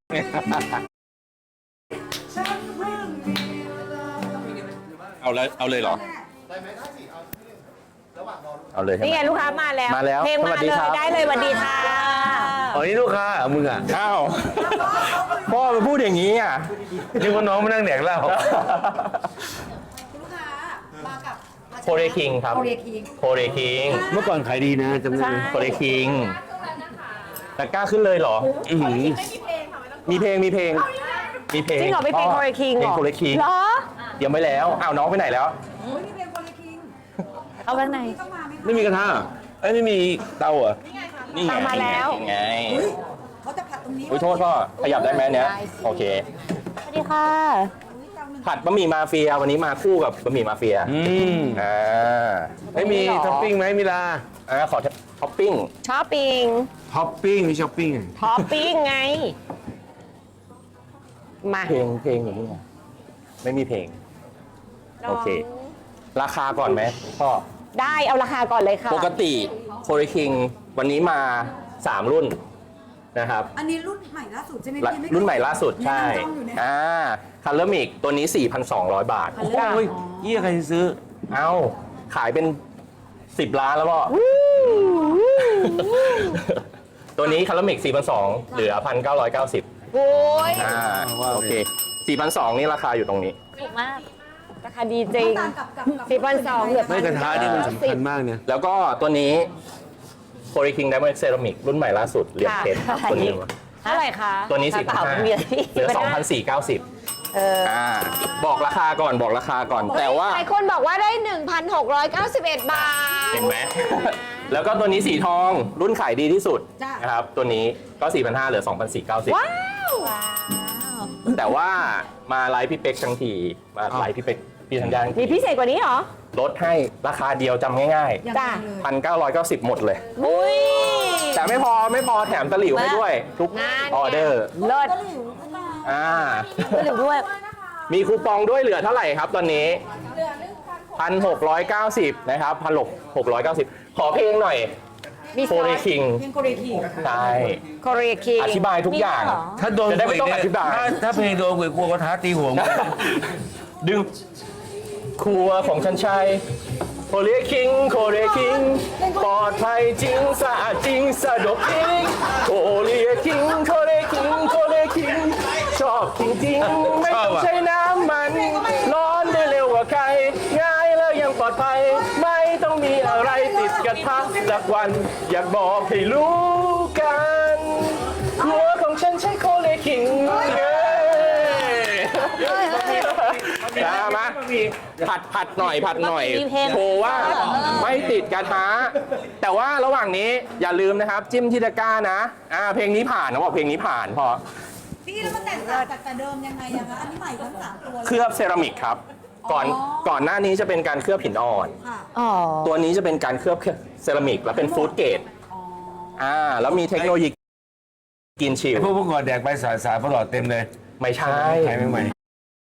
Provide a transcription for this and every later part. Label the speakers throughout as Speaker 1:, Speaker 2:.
Speaker 1: เอาเลยเหรอเอาเลย
Speaker 2: นี่ไงลูกค้ามาแล้วเพลงมาเลยได้เลยสวัสดีค่ะ
Speaker 3: อ๋อนี่ลูกค้ามึงอ่ะ
Speaker 1: อ้าวพ่อมาพูดอย่างนี้อ่ะ
Speaker 3: นึกว่าน้องมานั่งแดกเหล้า
Speaker 4: ลูกค้ามากับ
Speaker 1: โคเรคิงครับโคเรคิง
Speaker 3: เมื่อก่อนขายดีนะจำได้
Speaker 1: โคเรคิงแต่กล้าขึ้นเลยเหรอมีเพลง
Speaker 2: จริงเหรอไปเพลงโคเรคิงเหรอ
Speaker 1: โคเรคิง
Speaker 2: เหรอ
Speaker 1: เตรียมไว้แล้วอ้าวน้องไปไหนแล้ว
Speaker 2: เอาข้างใน
Speaker 3: ไม่มีกระทะไม่มีเตาอ่ะ
Speaker 1: นี่ไง
Speaker 2: มาแล้ว
Speaker 1: ไง
Speaker 4: เขาจะผัดตรงนี้
Speaker 1: โทษพ่อขยับได้ไหมเนี้ยโอเค
Speaker 2: สวัสดีค่ะ
Speaker 1: ผัดบะหมี่มาเฟียวันนี้มาคู่กับบะหมี่มาเฟีย
Speaker 3: ไม่มีท็อปปิ้งไหมมิลา
Speaker 1: ขอท็อปปิ้ง
Speaker 2: มีช้อปปิ้ง
Speaker 3: มีช้อปปิ้ง
Speaker 2: ไงมา
Speaker 1: เพลงอย่างนี้ไงไม่มีเพลงโอเคราคาก่อนไหมพ่อ
Speaker 2: ได้เอาราคาก่อนเลยค่ะ
Speaker 1: ปกติโคเรคิงวันนี้มา3รุ่นนะครับ
Speaker 4: อันนี้รุ่นใหม่ล่าสุดใช่ไหมพี่
Speaker 1: รุ่นใหม่ล่าสุดใช่คัลเลอร์มิกตัวนี้ 4,200 บาท
Speaker 3: โอ้ยยี่ใครซื้อ
Speaker 1: เอ้าขายเป็น10 ล้านแล้วพ่อตัวนี้คัลเลอร์มิก 4,200 เหลือ 1,990
Speaker 2: โอ้ย
Speaker 1: โอเค 4,200 นี่ราคาอยู่ตรงนี้
Speaker 2: ถูกมากราคาดีจริง4,200เหลือ
Speaker 3: ไม่กระทะนี่มันสำคัญมากเนี่ย
Speaker 1: แล้วก็ตัวนี้โคเรคิงไดมอนด์เซรามิกรุ่นใหม่ล่าสุดเหลี่ยมเพชรตัวนี้
Speaker 2: เท่าไหร่คะ
Speaker 1: ตัวนี้4,500เหลือ 2,490บอกราคาก่อนแต่ว่า
Speaker 2: หลายคนบอกว่าได้ 1,691 บาท
Speaker 1: เห็นไหมแล้วก็ตัวนี้สีทองรุ่นขายดีที่สุดนะครับตัวนี้ก็ 4,500 เหลือ 2,490
Speaker 2: ว้าว
Speaker 1: แต่ว่ามาไลฟ์พี่เป็กทั้งทีมาไลฟ์พี่เป็กพี่ธัญญา
Speaker 2: มีพิเศษกว่านี้เหรอ
Speaker 1: ลดให้ราคาเดียวจำง่าย
Speaker 2: ๆจ้ะ
Speaker 1: 1,990 หมดเลยแต่ไม่พอแถมตะหลิวให้ด้วยทุกออเดอร์
Speaker 2: เลิศตะหลิวด้วย
Speaker 1: มีคูปองด้วยเหลือเท่าไหร่ครับตอนนี้ 1,690 นะครับ 1,690 ขอเพลงหน่อยโคเรคิงใช่
Speaker 2: โคเรคิง
Speaker 1: อธิบายทุกอย่าง
Speaker 3: ถ้าโดน
Speaker 1: จะได้ไม่ต้องอธิบาย
Speaker 3: ถ้าเพลงโดนกลัวก็ท้าตีหัว
Speaker 1: ดึงครัวของฉันชัยโคเรคิงปลอดภัยจริงสะอาดจริงสะดวกจริงโคเรคิงชอบจริงๆไม่ต้องใช้น้ำมันร้อนได้เร็วกว่าใครง่ายแล้วยังปลอดภัยไม่ต้องมีอะไรติดกระทะสักวันอยากบอกให้รู้กันครัวของฉันใช้โคเรคิงมาผัดหน่อยโชว์ว่าไม่ติดกระทะแต่ว่าระหว่างนี้อย่าลืมนะครับจิ้มที่ตะกร้านะเพลงนี้ผ่านนะบอกเพลงนี้ผ่านพอ
Speaker 4: พี่แล้วมันแตกต่างจากแต่เดิมยังไงอะคะอันนี้ใหม่ทั้ง3ตัว
Speaker 1: เคลือบเซรามิกครับก่อนหน้านี้จะเป็นการเคลือบหินอ่อนตัวนี้จะเป็นการเคลือบเซรามิกแล้วเป็นฟู้ดเกรดแล้วมีเทคโนโลยีกินชิล
Speaker 3: พวกก่อนแดกไปสายประหลอดเต็มเลย
Speaker 1: ไม่ใช่
Speaker 3: ใหม่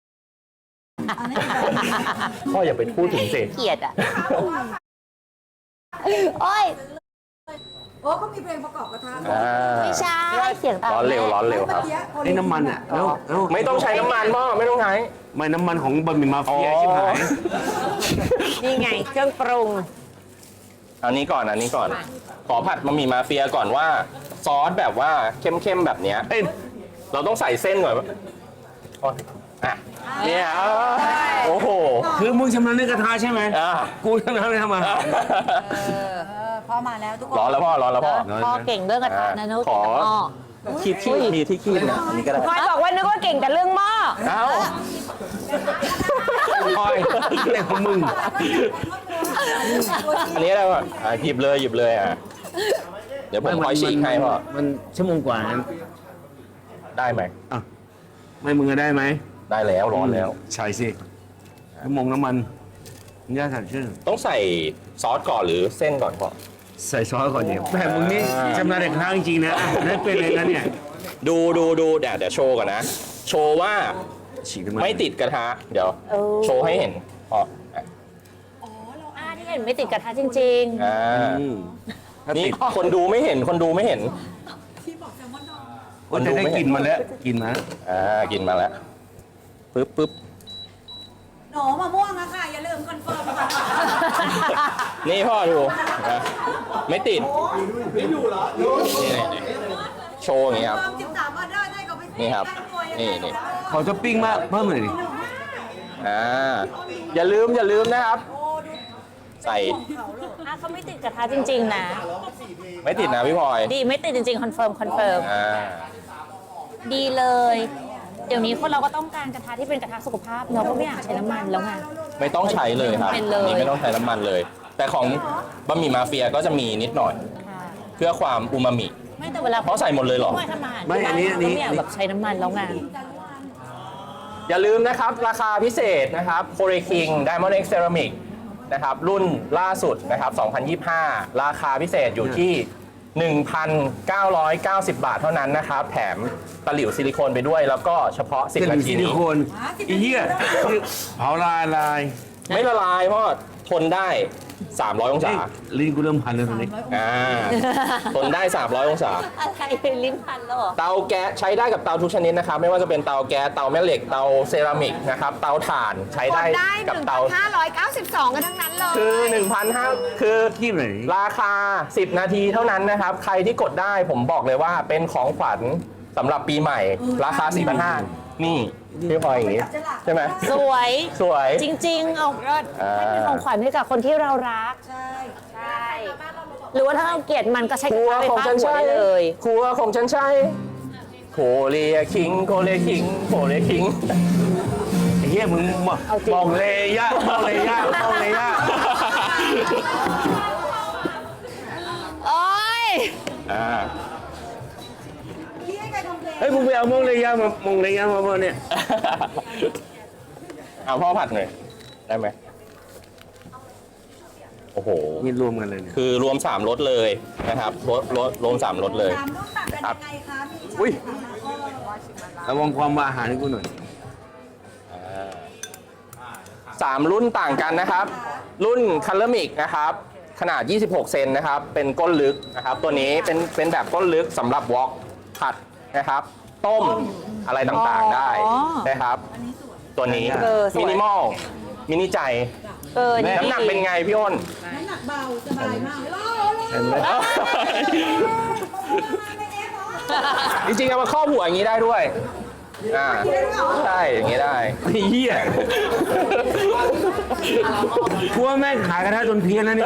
Speaker 1: พ่ออย่าไปพูดถึงสิ
Speaker 2: เกลียดอ่ะโอ้ย
Speaker 4: เขามีเพลงประกอบกระทะ
Speaker 2: ไม่ใช่เสียง
Speaker 1: ร้อนเร็วครับ
Speaker 3: ไอ้น้ำมันอ่ะแล้ว
Speaker 1: ไม่ต้องใช้น้ำมันพ่อไม่ต้องใช้
Speaker 3: ไม่น้ำมันของบะหมี่มาเฟียชิบหาย
Speaker 2: นี่ไงเครื่องปรุง
Speaker 1: อันนี้ก่อนขอผัดบะหมี่มาเฟียก่อนว่าซอสแบบว่าเข้มแบบเนี้ยเราต้องใส่เส้นก่อนเนี่ยโอ้โห
Speaker 3: คือมึงชำนาญเรื่องกระทะใช่ไหมกูชำนาญเรื่องทำอาหาร
Speaker 4: พอมาแล้วทุกคน
Speaker 1: ร้อนแล้วพ่อ
Speaker 2: เก่งเรื่องกระทะนะนุ๊ก
Speaker 1: ขอคีบมีที่คีบนะอันนี้ก็ได้
Speaker 2: พลอยบอกว่านึกว่าเก่งแต่เรื่องหม้อ
Speaker 1: พลอย
Speaker 3: เรื่องของมึง
Speaker 1: อันนี้ได้ป่ะหยิบเลยเดี๋ยวผมคอยฉีกให้พ่อ
Speaker 3: มันชั่วโมงกว่านั้น
Speaker 1: ได้ไหม
Speaker 3: ไม่มึงได้ไหม
Speaker 1: ได้แล้วร้อนแล้ว
Speaker 3: ใช่สิชั่วโมงน้ำมันย่าสั่งชื่อ
Speaker 1: ต้องใส่ซอสก่อนหรือเส้นก่อนพ่อ
Speaker 3: ใส่ซอสก่อนเนี่ยแต่มึงนี่ชำนาญเด็กข้างจริงนะนั่นเป็นอะไรนะเนี่ย
Speaker 1: ดูเดี๋ยวโชว์ก่อนนะโชว์ว่าไม่ติดกระทะเดี๋ยวโชว์ให้เห็นพ่อ
Speaker 2: เราที่เห็นไม่ติดกระทะจริง
Speaker 1: ๆนี่คนดูไม่เห็น
Speaker 4: ที่บอกแซลมอนดอง
Speaker 3: โอ้ยจะได้กลิ่นมาแล้วกลิ่นมา
Speaker 1: กินมาแล้วปึ๊บ
Speaker 4: หนอมะม่วงอะค่ะ อย่าลืมคอนเฟิร์มค่ะ
Speaker 1: นี่พ่อดูนะไม่ติดนี่โชว์อย่างนี้ครับ
Speaker 4: เพิ่ม13ออเดอร์ได้ก็ไป
Speaker 1: นี่ครับนี่
Speaker 3: ขอท็อปปิ้งมากเพิ่มหน่อยดิ
Speaker 1: อย่าลืมนะครับ ใส่
Speaker 2: เขาไม่ติดกระทะจริงๆนะ
Speaker 1: ไม่ติดนะพี่พลอย
Speaker 2: ดีไม่ติดจริงๆคอนเฟิร์ม ดีเลย เดี๋ยวนี้คนเราก็ต้องการกระทะที่เป็นกระทะสุขภาพเราก็ไม่อยากใช้น้ำมันแล้วไง
Speaker 1: ไม่ต้องใช้เลยครับ
Speaker 2: เป็นเลย
Speaker 1: นี่ไม่ต้องใช้น้ำมันเลย แต่ของบะหมี่มาเฟียก็จะมีนิดหน่อย
Speaker 2: ค่ะ
Speaker 1: เพื่อความอูมามิ
Speaker 2: ไม่แต่เวลา
Speaker 1: เขาใส่หมดเลยเหรอ
Speaker 2: ไม่ทำอาหารที่บ้านเราก็ไม่อยากแบบใช้น้ำมันแล้วไง
Speaker 1: อย่าลืมนะครับ ราคาพิเศษนะครับ c o r e King Diamond X Ceramic นะครับ รุ่นล่าสุดนะครับ 2025 ราคาพิเศษอยู่ที่ 1,990 บาทเท่านั้นนะครับ แถมตะหลิวซิลิโคนไปด้วย แล้วก็เฉพาะ
Speaker 3: เส้น
Speaker 1: 10 นา
Speaker 3: ซิ
Speaker 1: ที
Speaker 3: ลิ
Speaker 1: นี้
Speaker 3: โคนไอ้เหี้ยเผาลาย
Speaker 1: ไม่ละลายเพราะทนได้ 300 องศา
Speaker 3: ลิ้นกูเริ่มพันแล้วตอนนี้
Speaker 1: ทนได้ 300 องศา
Speaker 2: อะไรลิ้นพันแล้วเหรอ
Speaker 1: เตาแก๊สใช้ได้กับเตาทุกชนิดนะครับ ไม่ว่าจะเป็นเตาแก๊ส เตาแม่เหล็ก เตาเซรามิกนะครับ เตาถ่านใช้ได้กับเตา
Speaker 2: 1,592 กันทั้งนั้นเลย
Speaker 1: คือ 1,500 คือ
Speaker 3: ที่ไหน
Speaker 1: ราคา 10 นาทีเท่านั้นนะครับ ใครที่กดได้ผมบอกเลยว่าเป็นของขวัญสำหรับปีใหม่ ราคา 4,500 นี่พี่พลอยอย่างนี้ ใช่ไหม
Speaker 2: สวย
Speaker 1: สวย
Speaker 2: จริงๆ เอาก็ให้เป็นของขวัญให้กับคนที่เรารัก
Speaker 4: ใช่
Speaker 2: ใช่ หรือว่าถ้าเราเกลียดมันก็ใช้
Speaker 1: ค
Speaker 2: ก
Speaker 1: รั
Speaker 2: ระ
Speaker 1: ว
Speaker 2: ทะไฟ
Speaker 1: ของ
Speaker 2: ฟ้า
Speaker 1: ฉัน
Speaker 2: หัว
Speaker 1: ใช่
Speaker 2: ได้เลย
Speaker 1: ครัวของฉันใช่โคเรียคิงโคเรียคิงโคเรียคิง
Speaker 3: ไอ้เหี้ยมึงมองเลยยะมองเลยยะมองเลยยะ
Speaker 2: โอ้ย
Speaker 4: พี่ให้ใครคอมเพลน
Speaker 3: เฮ้ยมึงไปเอามองเลยยะมามองเลยยะมาเนี่ย
Speaker 1: เอาพ่อผัดหน่อยได้ไหมโอ้โห
Speaker 3: นี่รวมกันเลยเนี่ย
Speaker 1: คือรวม3รสเลยนะครับรวม3รสเลย
Speaker 4: ตามรุ่นต่างกันยังไงคะมี
Speaker 1: อุ้ย
Speaker 3: ระวังความว่าอาหารให้กูหน่อย
Speaker 1: 3 รุ่นต่างกันนะครับ รุ่นคัลเลอร์มิกนะครับขนาด 26 เซนนะครับ เป็นก้นลึกนะครับ ตัวนี้เป็นแบบก้นลึกสำหรับวอล์กผัดนะครับ ต้มอะไรต่างๆได้นะครับ ตัวนี้มินิมอลมินิใจ น้ำหนักเป็นไงพี่อ้น
Speaker 4: น้ำหนักเบาสบายมากเลย
Speaker 3: เห็นไหม
Speaker 1: จริงๆเอามาครอบหัวอย่างนี้ได้ด้วยใช่อย่างนี้ได้
Speaker 3: ไอ้เหี้ยกูว่าแม่งขายกระทะจนเพี้ยนแล้วเนี่ย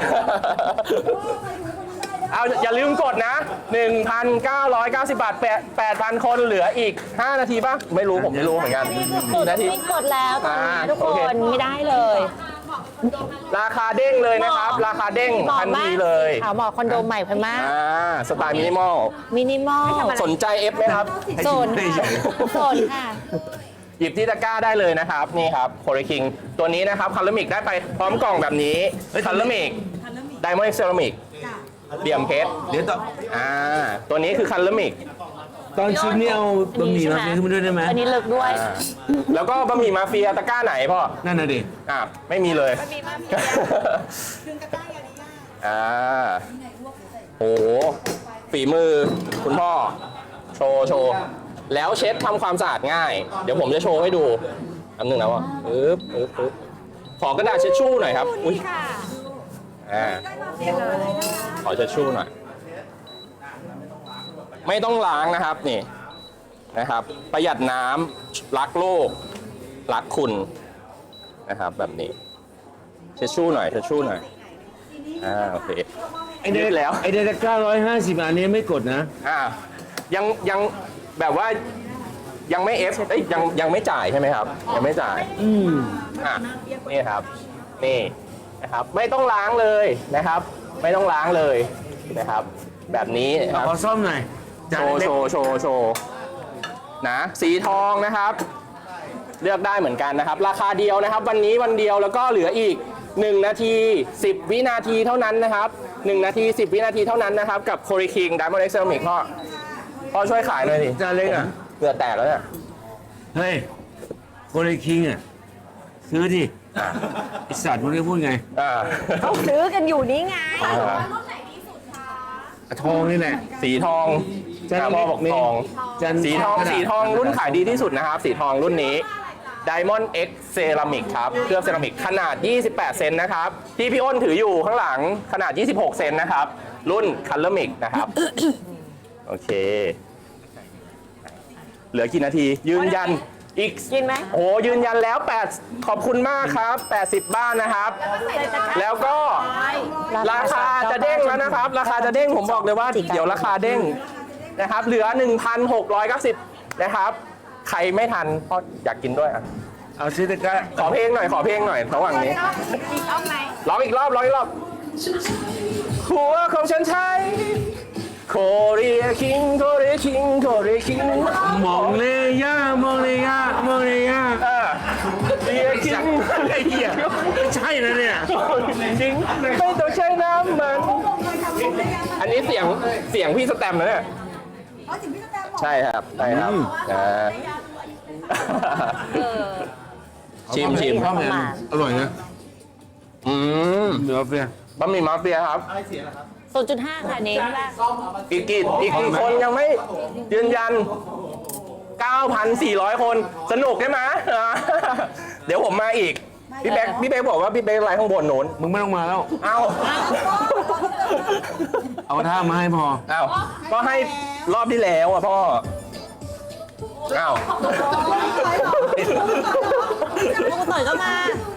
Speaker 1: เอาอย่าลืมกดนะ 1,990 บาท 8,000 คนเหลืออีก 5 นาทีป่ะ ไม่รู้ผมไม่รู้เหมือนกัน
Speaker 2: กดไม่กดแล้วตอนนี้ทุก
Speaker 1: โอ
Speaker 2: ค
Speaker 1: เค
Speaker 2: นไม่ได้เลย
Speaker 1: ราคาเด้งเลยนะครับ ราคาเด้งทันทีเลย
Speaker 2: ขาวหมอกคอนโดใหม่พันมาก
Speaker 1: สไตล์มินิมอล
Speaker 2: มินิมอล
Speaker 1: สนใจเอฟไหมครับ
Speaker 2: โซนค่ะโซนค่ะ
Speaker 1: หยิบที่ตะกร้าได้เลยนะครับ นี่ครับโคเรคิงตัวนี้นะครับคัลเลอร์มิกได้ไปพร้อมกล่องแบบนี้คัลเลอร์มิกไดมอนด์เซรามิกเดี่ยมเพชร
Speaker 3: เดี๋ยวต่อ
Speaker 1: ตัวนี้คือคัลเลอร์มิก
Speaker 3: ตอนชิมนี่เอาบะหมี่มาเฟียขึ้นมาด้วยได้ไหม
Speaker 2: อันนี้เลิกด้วย
Speaker 1: แล้วก็บะหมี่มาเฟียตะกร้าไหนพ่อ
Speaker 3: นั่นน่ะดิ
Speaker 1: ไม่มีเลย
Speaker 2: บะหมี่มาเฟีย
Speaker 4: ดึงกระต่ายอย่างนี้ยาก
Speaker 1: โอ้โหฝีมือคุณพ่อ โชว์ แล้วเช็ดทำความสะอาดง่าย เดี๋ยวผมจะโชว์ให้ดูอันหนึ่งนะว่าปึ๊บขอกระดาษเช็ดชู่หน่อยครับ อุ้ย
Speaker 2: ค่ะ
Speaker 1: ขอเช็ดชู่หน่อย ไม่ต้องล้างนะครับนี่นะครับ ประหยัดน้ำรักโลก รักคุณนะครับ แบบนี้ เช็ดชู่หน่อยโอเค
Speaker 3: ไอเด็
Speaker 1: ยืดแล้ว
Speaker 3: ไอเด็ก950อันนี้ไม่กดนะ
Speaker 1: ยังแบบว่ายังไม่เอฟยังไม่จ่ายใช่ไหมครับ ยังไม่จ่ายนี่ครับนี่นะครับ ไม่ต้องล้างเลยนะครับ ไม่ต้องล้างเลยนะครับ แบบนี้นะครับ
Speaker 3: ขอซ่อมหน่อย
Speaker 1: โชว์นะสีทองนะครับ เลือกได้เหมือนกันนะครับ ราคาเดียวนะครับ วันนี้วันเดียวแล้วก็เหลืออีก1 นาที 10 วินาทีเท่านั้นนะครับ1 นาที 10 วินาทีเท่านั้นนะครับกับ c o r e King Diamond X Ceramic พ่อช่วยขายหน่อยสิ
Speaker 3: จานเล็กอ่ะ
Speaker 1: เหงื่อแตกแล้วเนี่ย
Speaker 3: เฮ้ยโคเรคิงอ่ะ ซื้อดิไอสัตว์มึงได้พูดไง
Speaker 2: เขาซื้อกันอยู่นี้ไง
Speaker 3: อทองนี่แหละ
Speaker 1: สีทอง
Speaker 3: จันทร์
Speaker 1: พ่อบอกทอง
Speaker 3: จันทร์
Speaker 1: สีทองสีทองรุ่นขายดีที่สุดนะครับ สีทองรุ่นนี้ Diamond X Ceramic ครับเคลือบเซรามิกขนาด 28 เซนนะครับ ที่พี่อ้นถืออยู่ข้างหลังขนาด 26 เซนนะครับ รุ่น Color Mix นะครับ โอเค เหลือกี่นาที ยืนยันอีก
Speaker 2: กินไหม
Speaker 1: โอ้ยืนยันแล้ว8ขอบคุณมากครับ 80 บ้านนะครับ แล้วก็ราคาจะเด้งแล้วนะครับ ราคาจะเด้งผมบอกเลยว่าเดี๋ยวราคาเด้งนะครับ เหลือ 1,690 นะครับ ใครไม่ทันเพราะอยากกินด้วยอ่ะ
Speaker 3: เอาซิตะกะ
Speaker 1: ขอเพลงหน่อยระหว่างนี้ร้องอีกรอบหัวของฉันใช้โคเรียคิงโคเรียคิงโคเรียคิง
Speaker 3: มองเลยย่ามองเลยย่ามองเลยย่า
Speaker 1: เรียคิง
Speaker 3: ไอ้เหี้ยไม่ใช่นะเนี่ย
Speaker 1: จริงไม่ต้องใช้น้ำมัน อันนี้เสียงพี่สแตมป์นะเนี่ย
Speaker 4: อ๋อสิ่งที่จะแตมบอก
Speaker 1: ใช่ครับชิม
Speaker 3: ข้าวแมนอร่อยนะ เนื้อเฟีย
Speaker 1: บะหมี่มาเฟียครับ
Speaker 2: 0.5 ค่ะนี้แรก
Speaker 1: อีกกี่คนยังไม่ยืนยัน 9,400 คนสนุกใช่ไหมเดี๋ยวผมมาอีก พี่เบ๊กบอกว่าพี่เบ๊กไลน์ข้างบนโน้น
Speaker 3: มึงไม่ต้องมาแล้ว
Speaker 1: เอ้า
Speaker 3: เอาท่ามาให้พอ
Speaker 1: เอ้าก็ให้รอบที่แล้วอ่ะพ่อเอ้า
Speaker 2: ลูกต่อยก็มา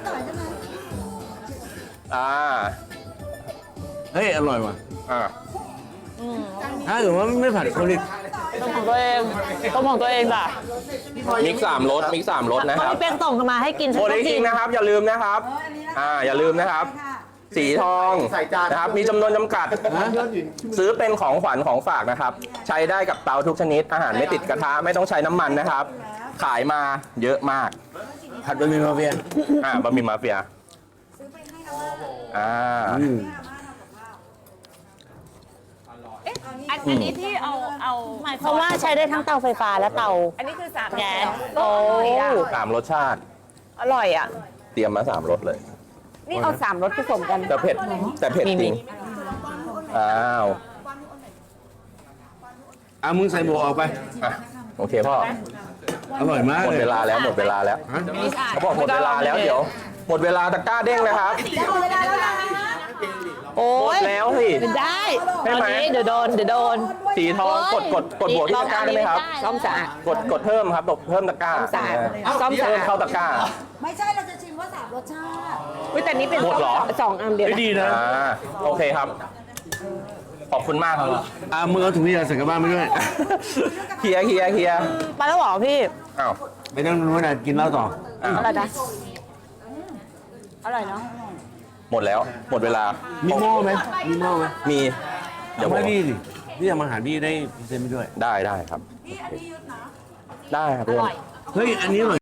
Speaker 3: เฮ้ย อร่อยว่ะ
Speaker 1: อ่า
Speaker 3: ถ้าเกิดว่าไม่ผัดโคลิก
Speaker 2: ต้องของตัวเองจ้ะ
Speaker 1: มิก3รสนะ
Speaker 2: พอ
Speaker 1: ครับ
Speaker 2: พี่เป้งส่งมาให้กินฉัน
Speaker 1: โอ
Speaker 2: ก็
Speaker 1: ลิ
Speaker 2: กิ
Speaker 1: คิ
Speaker 2: น
Speaker 1: งนะครับอย่าลืมนะครับอย่าลืมนะครับ สีทองนะครับมีจำนวนจำกัดซื้อเป็นของขวัญของฝากนะครับ ใช้ได้กับเตาทุกชนิดอาหารไม่ติดกระทะไม่ต้องใช้น้ำมันนะครับ ขายมาเยอะมาก
Speaker 3: ผัดบะหมี่มาเฟีย
Speaker 1: บะหมี่มาเฟียอ่า
Speaker 5: อันนี้ที่เอา
Speaker 2: หมายความว่าใช้ได้ทั้งเตาไฟฟ้าและเตา
Speaker 5: อันนี้คือ3
Speaker 2: แก๊ส
Speaker 5: โอ้
Speaker 1: 3 รสชาติ
Speaker 5: อร่อยอ่ะ
Speaker 1: เตรียมมา3 รสเลย
Speaker 5: นี่เอา3 รสผสมกัน
Speaker 1: แต่เผ็ดจริงอ้าว
Speaker 3: มึงใส่หมวกออกไป
Speaker 1: อ่ะโอเคพ่อ
Speaker 3: อร่อยมาก
Speaker 1: หมด
Speaker 3: เลย
Speaker 1: เวลาแล้ว
Speaker 3: ฮะ
Speaker 1: เขาบอกหมดเวลาแล้วเดี๋ยว หมดเวลาตะกร้าเด้งนะครับ
Speaker 2: โอ้
Speaker 1: หมด
Speaker 2: ย
Speaker 1: แล้วสิ
Speaker 2: ได้ต
Speaker 1: ใช่
Speaker 2: อน
Speaker 1: ไหม
Speaker 2: นี้เดี๋ยวโดน
Speaker 1: สีทองกดบวกที่ตะกร้าได้ไหมครับ
Speaker 5: ซ่อมสะอาด
Speaker 1: กดเพิ่มครับเพิ่มตะกร้า
Speaker 5: สะอาดซ่อมสะอาด
Speaker 1: เพิ่มเข้าตะกร้า
Speaker 4: ไม่ใช่เราจะชิมว่า3รสชาติ
Speaker 5: อุ้ยแต่นี้เป็น
Speaker 1: หมดเหรอ
Speaker 5: 2 อันเดียว
Speaker 3: ไม่ดีนะ
Speaker 1: โอเคครับ ขอบคุณมากครับ
Speaker 3: มึงเอาถุงยาใส่กลับบ้านไปด้วย
Speaker 1: เคลียร์
Speaker 2: ไปแล้วเหรอพี่
Speaker 1: อ้าว
Speaker 3: ไม่ต้องรู้นะกินเหล้าต่อ
Speaker 2: อะไรนะอร่อยเนาะ
Speaker 1: หมดแล้วหมดเวลา
Speaker 3: มีหม้อไหมมีหม้อไหม
Speaker 1: มี
Speaker 3: เดี๋ยวให้พี่ดิพี่ทำอาหารพี่ได้พรีเซนต์ไปด้วย
Speaker 1: ได้ครับ ได้ครับเพื่อน
Speaker 3: เฮ้ย อันนี้อร่อย